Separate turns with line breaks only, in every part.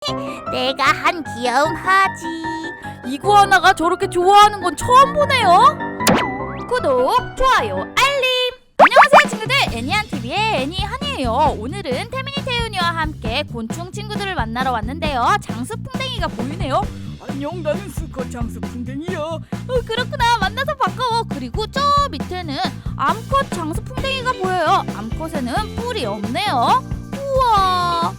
내가 한 귀여움 하지.
이구아나가 저렇게 좋아하는 건 처음 보네요. 구독, 좋아요, 알림. 안녕하세요 친구들, 애니한TV의 애니한이에요. 오늘은 태민이 태윤이와 함께 곤충 친구들을 만나러 왔는데요. 장수풍뎅이가 보이네요. 안녕, 나는 수컷 장수풍뎅이야. 그렇구나, 만나서 반가워. 그리고 저 밑에는 암컷 장수풍뎅이가 보여요. 암컷에는 뿔이 없네요. 우와.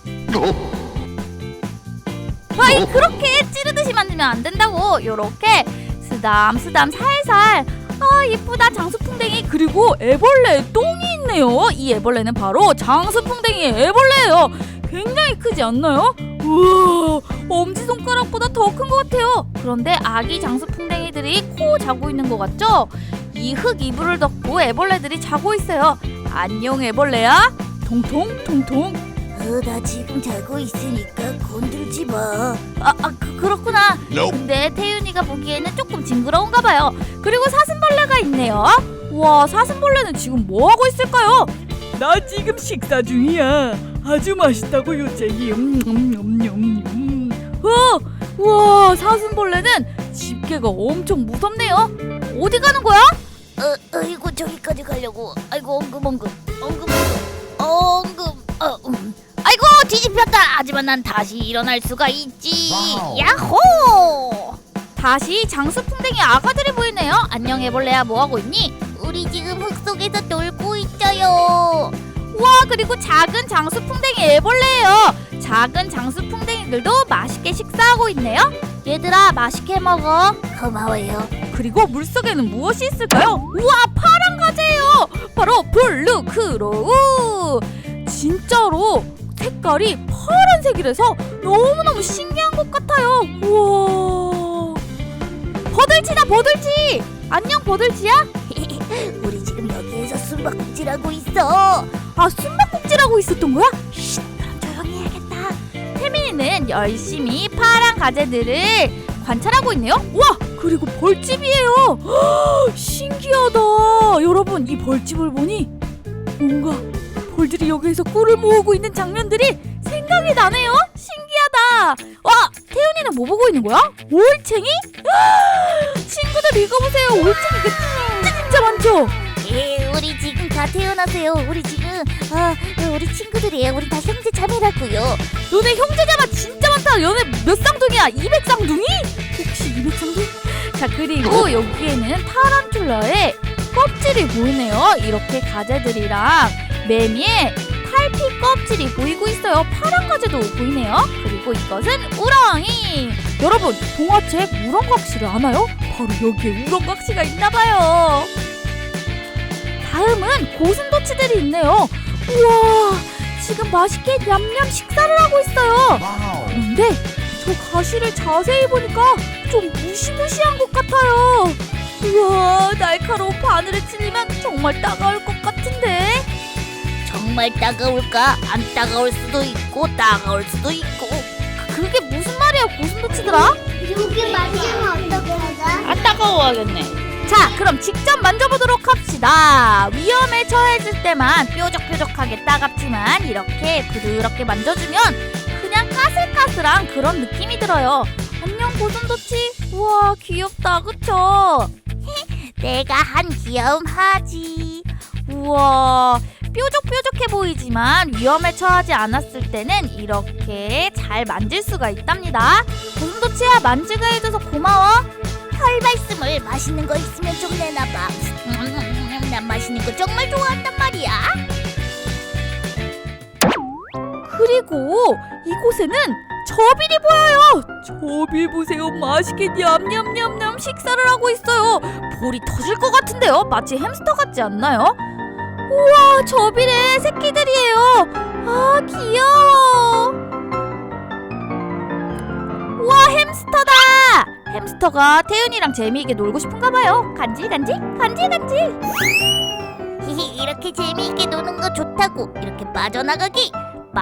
아이, 그렇게 찌르듯이 만들면 안 된다고. 요렇게 쓰담쓰담 살살. 아, 예쁘다 장수풍뎅이. 그리고 애벌레 똥이 있네요. 이 애벌레는 바로 장수풍뎅이의 애벌레예요. 굉장히 크지 않나요? 우와, 엄지손가락보다 더 큰 것 같아요. 그런데 아기 장수풍뎅이들이 코 자고 있는 것 같죠? 이 흙 이불을 덮고 애벌레들이 자고 있어요. 안녕 애벌레야. 통통 통통.
나 지금 자고 있으니까 건들지 마.
그렇구나. 근데 태윤이가 보기에는 조금 징그러운가 봐요. 그리고 사슴벌레가 있네요. 와, 사슴벌레는 지금 뭐 하고 있을까요?
나 지금 식사 중이야. 아주 맛있다고 요쟁이.
우와, 사슴벌레는 집게가 엄청 무섭네요. 어디 가는 거야?
아이고 저기까지 가려고. 아이고 엉금. 아이고 뒤집혔다. 하지만 난 다시 일어날 수가 있지. 야호!
다시 장수풍뎅이 아가들이 보이네요. 안녕 애벌레야, 뭐 하고 있니?
우리 지금 흙 속에서 놀고 있어요.
우와, 그리고 작은 장수풍뎅이 애벌레예요. 작은 장수풍뎅이들도 맛있게 식사하고 있네요. 얘들아, 맛있게 먹어.
고마워요.
그리고 물속에는 무엇이 있을까요? 우와, 파란 가재예요. 바로 블루크로우. 진짜로 색깔이 파란색이라서 너무너무 신기한 것 같아요. 우와, 버들치다, 버들치. 안녕 버들치야.
우리 지금 여기에서 숨바꼭질하고 있어.
아, 숨바꼭질하고 있었던 거야?
쉿, 그럼 조용히 해야겠다.
태민이는 열심히 파란 가재들을 관찰하고 있네요. 우와, 그리고 벌집이에요. 허, 신기하다. 여러분, 이 벌집을 보니 뭔가 벌들이 여기에서 꿀을 모으고 있는 장면들이 생각이 나네요. 신기하다. 와, 태윤이는 뭐 보고 있는 거야? 올챙이? 친구들 읽어보세요. 올챙이가 진짜 많죠?
우리 지금 다 태어나세요. 우리 지금 우리 친구들이에요. 우리 다 형제 자매라고요.
너네 형제자매 진짜 많다. 너네 몇 쌍둥이야? 200쌍둥이? 혹시 200쌍둥이? 자, 그리고 여기에는 타란툴라의 껍질이 보이네요. 이렇게 가재들이랑 매미의 탈피 껍질이 보이고 있어요. 파란 가재도 보이네요. 그리고 이것은 우렁이. 여러분, 동화책 우렁각시를 아나요? 바로 여기에 우렁각시가 있나봐요. 다음은 고슴도치들이 있네요. 우와, 지금 맛있게 냠냠 식사를 하고 있어요. 그런데 저 가시를 자세히 보니까 좀 무시무시한 것 같아요. 우와, 날카로운 바늘에 찔리면 정말 따가울 것 같은데.
정말 따가울까? 안 따가울 수도 있고 따가울 수도 있고.
그게 무슨 말이야, 고슴도치들아?
여기 만지면 어떡하자?
안 따가워하겠네. 자, 그럼 직접 만져보도록 합시다. 위험에 처해질 때만 뾰족뾰족하게 따갑지만 이렇게 부드럽게 만져주면 그냥 까슬까슬한 그런 느낌이 들어요. 안녕 고슴도치. 우와, 귀엽다, 그쵸?
내가 한 귀여움 하지.
우와, 뾰족뾰족해 보이지만 위험에 처하지 않았을 때는 이렇게 잘 만질 수가 있답니다. 고슴도치야, 만지게 해줘서 고마워.
털 말씀을 맛있는 거 있으면 좀 내놔봐. 난 맛있는 거 정말 좋아한단 말이야.
그리고 이곳에는 저빌이 보여요. 저빌 보세요. 맛있게 냠냠냠냠 식사를 하고 있어요. 볼이 터질 것 같은데요. 마치 햄스터 같지 않나요? 우와, 저빌의 새끼들이에요. 아, 귀여워. 우와, 햄스터다. 햄스터가 태윤이랑 재미있게 놀고 싶은가 봐요. 간질간질 간질간질.
이렇게 재미있게 노는 거 좋다고. 이렇게 빠져나가기.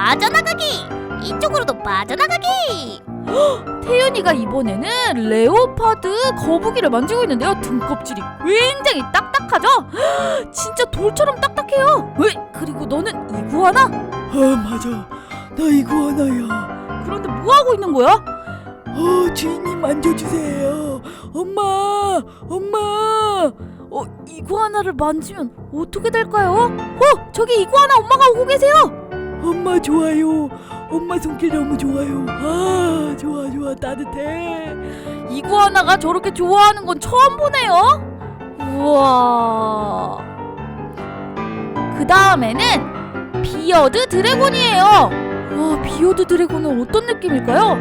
이쪽으로도 빠져나가기.
태윤이가 이번에는 레오파드 거북이를 만지고 있는데요. 등껍질이 굉장히 딱딱하죠? 진짜 돌처럼 딱딱해요. 그리고 너는 이구아나?
맞아. 나 이구아나야.
그런데 뭐 하고 있는 거야?
주인님 만져주세요. 엄마.
이구아나를 만지면 어떻게 될까요? 저기 이구아나 엄마가 오고 계세요.
엄마 좋아요. 엄마 손길 너무 좋아요. 아, 좋아 따뜻해.
이구아나가 저렇게 좋아하는 건 처음 보네요. 우와. 그 다음에는 비어드 드래곤이에요. 와, 비어드 드래곤은 어떤 느낌일까요?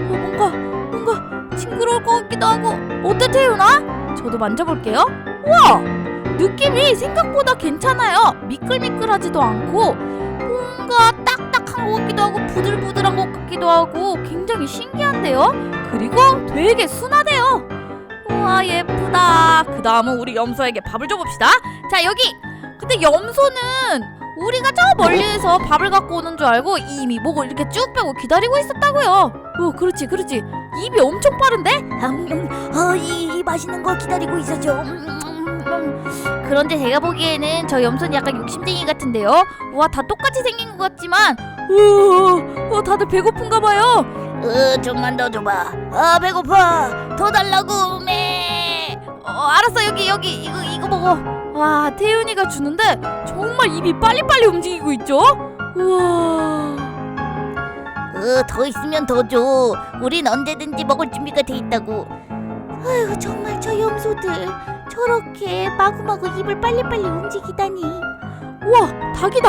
뭔가 징그러울 것 같기도 하고. 어때, 태윤아? 저도 만져볼게요. 우와, 느낌이 생각보다 괜찮아요. 미끌미끌하지도 않고 뭔가 딱딱한 것 같기도 하고 부들부들한 것 같기도 하고 굉장히 신기한데요. 그리고 되게 순하대요. 우와, 예쁘다. 그 다음은 우리 염소에게 밥을 줘봅시다. 자, 여기. 근데 염소는 우리가 저 멀리에서 밥을 갖고 오는 줄 알고 이미 목을 이렇게 쭉 빼고 기다리고 있었다고요. 그렇지. 입이 엄청 빠른데?
이 맛있는 거 기다리고 있었죠.
그런데 제가 보기에는 저 염소는 약간 욕심쟁이 같은데요. 와, 다 똑같이 생긴 것 같지만 다들 배고픈가 봐요.
좀만 더 줘봐. 배고파. 더 달라고. 매.
알았어. 여기 이거 먹어. 와, 태윤이가 주는데 정말 입이 빨리빨리 움직이고 있죠? 우와.
더 있으면 더 줘. 우린 언제든지 먹을 준비가 돼 있다고. 아휴, 정말 저 염소들 저렇게 마구마구 입을 빨리빨리 움직이다니.
우와, 닭이다.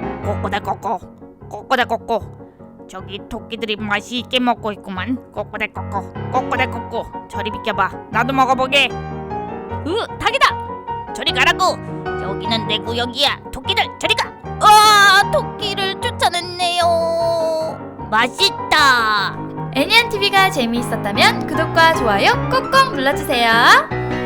꼬꼬대꼬꼬. 저기 토끼들이 맛있게 먹고 있구만. 꼬꼬대꼬꼬. 저리 비켜봐. 나도 먹어보게.
닭이다.
저리 가라고. 여기는 내 구역이야. 토끼들 저리 가.
토끼를 쫓아냈네요.
맛있다.
애니안TV가 재미있었다면 구독과 좋아요 꼭꼭 눌러주세요.